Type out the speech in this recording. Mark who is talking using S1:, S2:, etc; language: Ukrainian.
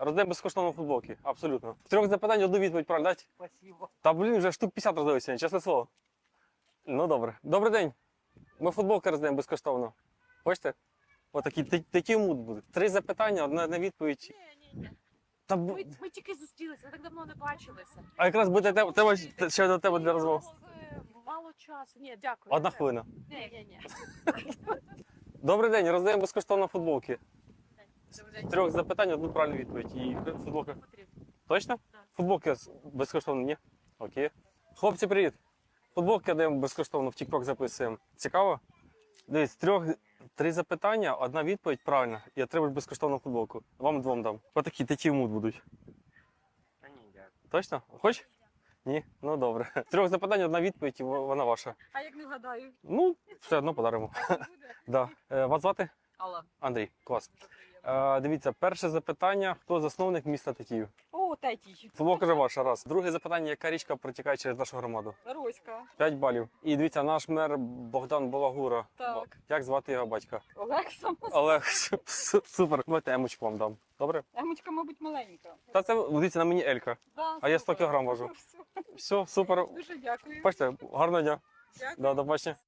S1: Роздаємо безкоштовно футболки, абсолютно. З 3 запитань одну відповідь правильно дати?
S2: Спасибо.
S1: Та блін, вже штук 50 роздали сьогодні, чесне слово. Ну добре. Добрий день. Ми футболки роздаємо безкоштовно. Хочете? Отакі такі мут буде. 3 запитання, одна відповідь.
S3: Ні.
S1: Та,
S3: Ми тільки зустрілися, ми так давно не бачилися.
S1: а якраз буде тебе ще до тебе для розмов.
S3: Мало часу. Ні, дякую.
S1: Одна хвилина.
S3: Ні.
S1: Добрий день, роздаємо безкоштовно футболки.
S3: Добрий
S1: З
S3: день.
S1: 3 запитань, одну правильну відповідь. І футболка.
S3: Потрібно.
S1: Точно?
S3: Так.
S1: Футболки безкоштовно, ні? Окей. Хлопці, привіт. Футболки даємо безкоштовно в TikTok записуємо. Цікаво? Дивись, 3 запитання, одна відповідь правильна. І отримаєш безкоштовну футболку. Вам двом дам. Отакі такі мут будуть.
S2: Та ні, дякую.
S1: Точно? Хочеш? Ні? Ну добре. З 3 запитань, одна відповідь, і вона ваша.
S3: А як не вгадаю?
S1: Ну, все одно подаримо.
S3: Буде?
S1: Да. Вас звати?
S3: Алла.
S1: Андрій, клас.
S3: Дуже приємно.
S1: Дивіться, перше запитання, хто засновник міста Тетіїв?
S3: О, третій.
S1: Футболка вже ваша, раз. Друге запитання, яка річка протікає через нашу громаду?
S3: Роська.
S1: 5 балів. І дивіться, наш мер Богдан Балагура.
S3: Так.
S1: Як звати його батька?
S3: Олег сам.
S1: Олег, супер. Давайте емочку вам дам. Добре?
S3: Емочка, мабуть, маленька.
S1: Та це, дивіться, на мені Елька.
S3: Да,
S1: А я 100
S3: супер.
S1: кілограм важу.
S3: Все.
S1: Все, супер.
S3: Дуже дякую.
S1: Бачите, гарного дня.
S3: Дякую.
S1: Да, до побачення.